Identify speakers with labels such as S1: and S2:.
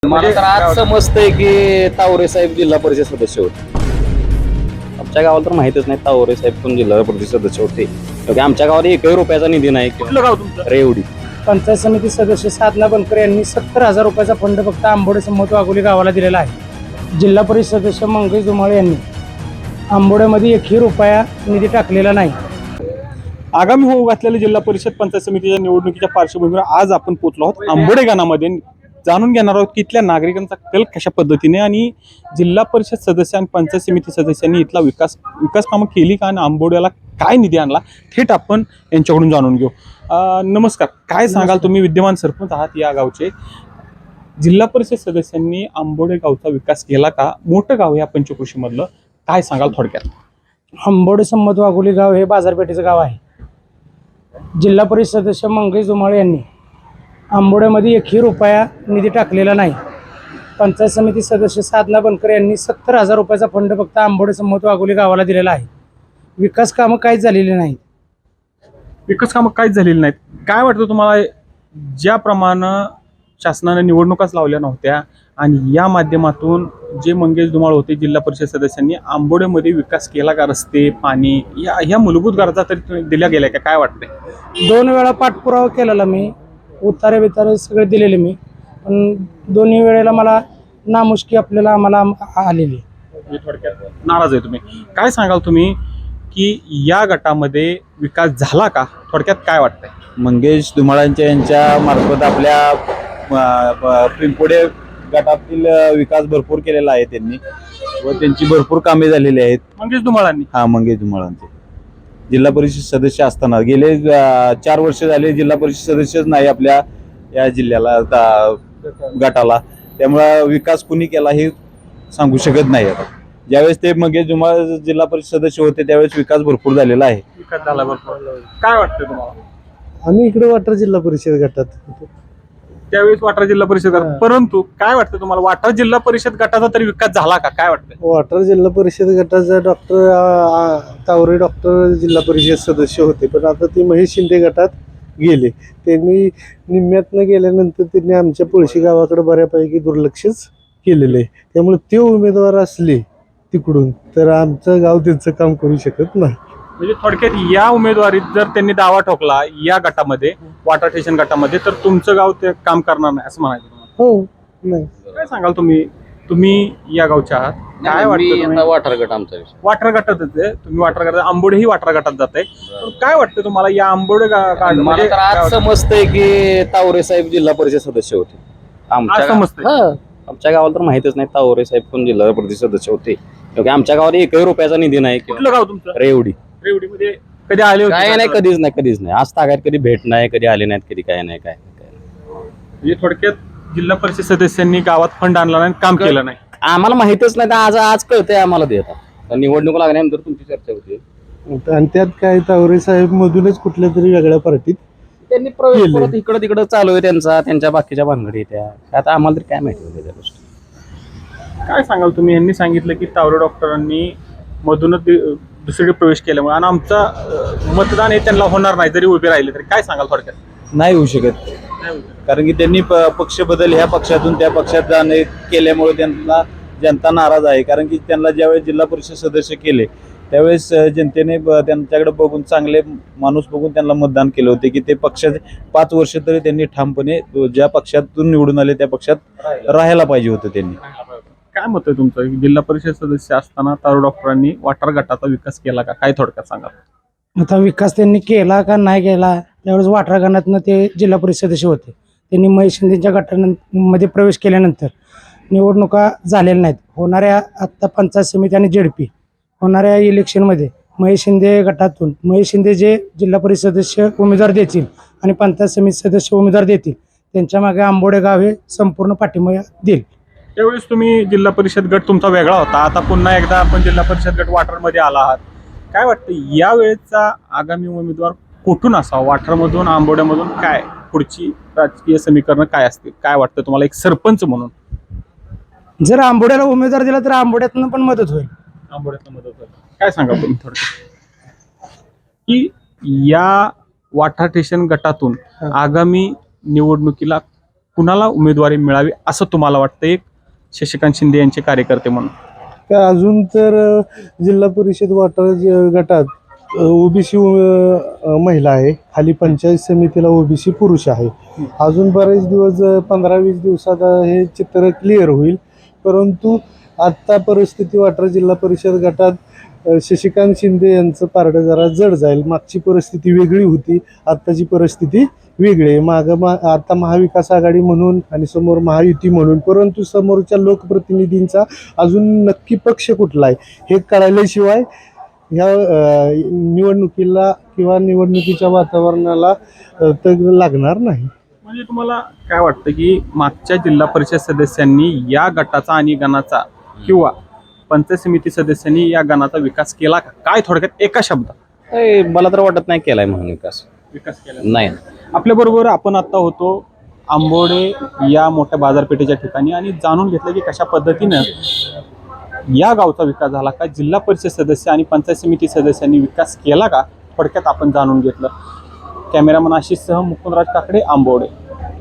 S1: मला तर आज समजतंय की तावरे साहेब जिल्हा परिषद सदस्य होते. आमच्या गावाला तर माहितच नाही तावरे साहेब कोण जिल्हा परिषद सदस्य होते. कारण आमच्या गावात एकही रुपयाचा निधी नाही.
S2: कुठलं गाव तुमचं?
S1: रेवडी.
S3: पंचायत समिती सदस्य साधना बनकर यांनी 70,000 रुपयाचा फंड फक्त आंबोडे संमत वाघोली गावाला दिलेला आहे. जिल्हा परिषद सदस्य मंगेश धुमाळे यांनी आंबोड्यामध्ये एकही रुपया निधी टाकलेला नाही.
S2: आगामी होऊ घातलेल्या जिल्हा परिषद पंचायत समितीच्या निवडणुकीच्या पार्श्वभूमीवर आज आपण पोहोचलो आहोत आंबोडे गावामध्ये. जाणून घेणार आहोत की इथल्या नागरिकांचा कल कशा पद्धतीने आणि जिल्हा परिषद सदस्य आणि पंचायत समिती सदस्यांनी इथला विकास कामं केली का आणि आंबोड्याला काय निधी आणला थेट आपण यांच्याकडून जाणून घेऊ. नमस्कार, काय सांगाल? तुम्ही विद्यमान सरपंच आहात या गावचे. जिल्हा परिषद सदस्यांनी आंबोडे गावचा विकास केला का? मोठं गाव या पंचक्रोशीमधलं, काय सांगाल थोडक्यात?
S3: आंबोडे संमत वाघोली गाव हे बाजारपेठेचं गाव आहे. जिल्हा परिषद सदस्य मंगेश धुमाळे यांनी आंबोड्यामध्ये एकही रुपया निधी टाकलेला नाही. पंचायत समिती सदस्य साधना बनकर यांनी 70,000 रुपयाचा फंड फक्त आंबोडे संमत वाघोली गावाला दिलेला आहे. विकास कामं काहीच झालेली नाहीत.
S2: विकास कामं काहीच झालेली नाहीत. काय वाटतं तुम्हाला, ज्याप्रमाणे शासनाने निवडणुकाच लावल्या नव्हत्या आणि या माध्यमातून जे मंगेश धुमाळ होते जिल्हा परिषद सदस्यांनी आंबोड्यामध्ये विकास केला का? रस्ते, पाणी या मूलभूत गरजा तरी दिल्या गेल्या का? काय वाटतंय?
S3: 2 वेळा पाठपुरावा केलेला मी, उतारे बितारे सगळे दिलेले मी, पण दोन्ही वेळेला मला नामुष्की आम्हाला आलेली.
S2: थोडक्यात नाराज आहे तुम्ही. काय सांगाल तुम्ही की या गटामध्ये विकास झाला का? थोडक्यात काय वाटतंय?
S4: मंगेश धुमाळांच्या यांच्या मार्फत आपल्या पिंपोडे गटातील विकास भरपूर केलेला आहे त्यांनी व त्यांची भरपूर कामे झालेली आहेत.
S2: मंगेश धुमाळांनी?
S4: हा, मंगेश धुमाळांचे जिल्हा परिषद सदस्य असताना गेले 4 वर्ष झाले जिल्हा परिषद सदस्यच नाही आपल्या या जिल्ह्याला गटाला. त्यामुळे विकास कुणी केला हे सांगू शकत नाही. आता ज्यावेळेस ते मंगेश धुमाळ जिल्हा परिषद सदस्य होते त्यावेळेस विकास भरपूर झालेला आहे.
S2: विकास झाला भरपूर. काय वाटतं तुम्हाला?
S3: आम्ही इकडे वाटर जिल्हा परिषद गटात
S2: त्यावेळेस वाटार जिल्हा परिषद गट, परंतु काय वाटतं तुम्हाला, वाटार जिल्हा परिषद गटाचा तरी विकास झाला का? काय वाटतं?
S3: वाटर जिल्हा परिषद गटाचा तावरे डॉक्टर जिल्हा परिषद सदस्य होते, पण आता ते महेश शिंदे गटात गेले. त्यांनी निम्म्यातनं गेल्यानंतर त्यांनी आमच्या पळशी गावाकडे बऱ्यापैकी दुर्लक्षच केलेलं आहे. त्यामुळे ते उमेदवार असले तिकडून तर आमचं गाव त्यांचं काम करू शकत नाही.
S2: म्हणजे थोडक्यात या उमेदवारीत जर त्यांनी दावा ठोकला या गटामध्ये, वाटर स्टेशन गटामध्ये, तर तुमचं गाव ते काम करणार नाही असं म्हणायचं तुम्हाला?
S3: हो, नाही.
S2: काय सांगाल तुम्ही या गावच्या आहात, काय वाटतं तुम्ही?
S1: वाठार गट आमचा विषय.
S2: वाटर गटातच आहे तुम्ही, वाटर गटात. आंबोडे ही वाटर गटात जात आहे. काय वाटतं तुम्हाला या आंबोडे
S1: मला तर आज समजतंय की तावरे साहेब जिल्हा परिषद सदस्य होते. आमच्या गावाला तर माहितच नाही तावरे साहेब कोण जिल्हा परिषद सदस्य होते. कारण आमच्या गावात एकही रुपयाचा निधी नाही.
S2: कुठलं गाव तुमचं?
S1: रेवडी.
S2: रेवडीमध्ये कधी आले होते?
S1: काय नाही, कधीच नाही. आज तागायत कधी भेट नाही, कधी आले नाहीत, कधी काय नाही.
S2: म्हणजे थोडक्यात जिल्हा परिषद सदस्यांनी गावात फंड आणला नाही, काम केलं नाही.
S1: आम्हाला माहितच नाही. आज कळतंय आम्हाला. देतात निवडणूक लागल्यानंतर तुमची चर्चा होती.
S3: आणि त्यात काय तावरे साहेब मधूनच कुठल्या तरी वेगळ्या पार्टीत
S1: त्यांनी प्रवेश परत इकडं तिकडं चालू आहे त्यांच्या बाकीच्या भानगडी त्या. आता आम्हाला तरी काय माहिती होतं त्या गोष्टी.
S2: काय सांगाल तुम्ही? यांनी सांगितलं की तावरे डॉक्टरांनी मधूनच दुसरीकडे प्रवेश केल्यामुळे आणि आमचं मतदान हे त्यांना होणार नाही जरी उभे राहिले तरी. काय सांगाल थोडक्यात?
S4: नाही होऊ शकत, कारण की त्यांनी पक्ष बदल ह्या पक्षातून त्या पक्षात जाणे केल्यामुळे त्यांना जनता नाराज आहे. कारण की त्यांना ज्यावेळेस जिल्हा परिषद सदस्य केले त्यावेळेस जनतेने त्यांच्याकडे बघून, चांगले माणूस बघून त्यांना मतदान केलं होते की ते पक्षाचे 5 वर्ष तरी त्यांनी ठामपणे ज्या पक्षातून निवडून आले त्या पक्षात राहायला पाहिजे होतं त्यांनी.
S2: काय मत आहे तुमचं? जिल्हा परिषद सदस्य असताना तावरे डॉक्टरांनी वाटार गटाचा विकास केला का? काय थोडक्यात सांगा.
S3: आता विकास त्यांनी केला का नाही केला, त्यावेळेस वाठरा गणातनं ते जिल्हा परिषद सदस्य होते. त्यांनी महेश शिंदेच्या गटामध्ये प्रवेश केल्यानंतर निवडणुका झालेल्या नाहीत. होणाऱ्या आत्ता पंचायत समिती आणि जेडपी होणाऱ्या इलेक्शनमध्ये महेश शिंदे गटातून महेश शिंदे जे जिल्हा परिषद सदस्य उमेदवार देतील आणि पंचायत समिती सदस्य उमेदवार देतील त्यांच्या मागे आंबोडे गाव हे संपूर्ण पाठिंबा देईल.
S2: त्यावेळेस तुम्ही जिल्हा परिषद गट तुमचा वेगळा होता, आता पुन्हा एकदा आपण जिल्हा परिषद गट वाठारमध्ये आला आहात. काय वाटतं यावेळेचा आगामी उमेदवार कुठून असावा? वाठारमधून, आंबोड्यामधून? काय पुढची राजकीय समीकरण काय असतील? काय वाटतं तुम्हाला एक सरपंच म्हणून?
S3: जर आंबोड्याला उमेदवार दिला तर आंबोड्यातनं पण मदत होईल.
S2: आंबोड्यातनं मदत होईल. काय सांगा तुम्ही थोडक्यात की या वाठार स्टेशन गटातून आगामी निवडणुकीला कुणाला उमेदवारी मिळावी असं तुम्हाला वाटतं एक शशिकांत शिंदे यांचे कार्यकर्ते म्हणून?
S5: का अजून तर जिल्हा परिषद वाटा गटात ओबीसी महिला आहे, खाली पंचायत समितीला ओबीसी पुरुष आहे. अजून बरेच दिवस 15-20 दिवसात हे चित्र क्लिअर होईल. परंतु आत्ता परिस्थिती वाटरा जिल्हा परिषद गटात शशिकांत शिंदे यांचं पारडं जरा जड जाईल. मागची परिस्थिती वेगळी होती, आत्ताची परिस्थिती वेगळी आहे. आता महाविकास आघाडी म्हणून आणि समोर महायुती म्हणून, परंतु समोरच्या लोकप्रतिनिधींचा अजून नक्की पक्ष कुठला आहे हे कळाल्याशिवाय ह्या निवडणुकीला किंवा निवडणुकीच्या वातावरणाला तग लागणार नाही.
S2: म्हणजे तुम्हाला काय वाटतं की मागच्या जिल्हा परिषद सदस्यांनी या गटाचा आणि गणाचा किंवा पंचायत समिती सदस्यांनी या गणाचा विकास केला का? काय थोडक्यात एका शब्दात?
S1: मला तर वाटत नाही केलाय म्हणून विकास
S2: केला
S1: नाही.
S2: आपल्या बरोबर आपण आता होतो आंबोडे या मोठ्या बाजारपेठेच्या ठिकाणी आणि जाणून घेतलं की कशा पद्धतीनं या गावचा विकास झाला का, जिल्हा परिषद सदस्य आणि पंचायत समिती सदस्यांनी विकास केला का, थोडक्यात आपण जाणून घेतलं. कॅमेरामन आशिषसह मुकुंदराज काकडे, आंबोडे.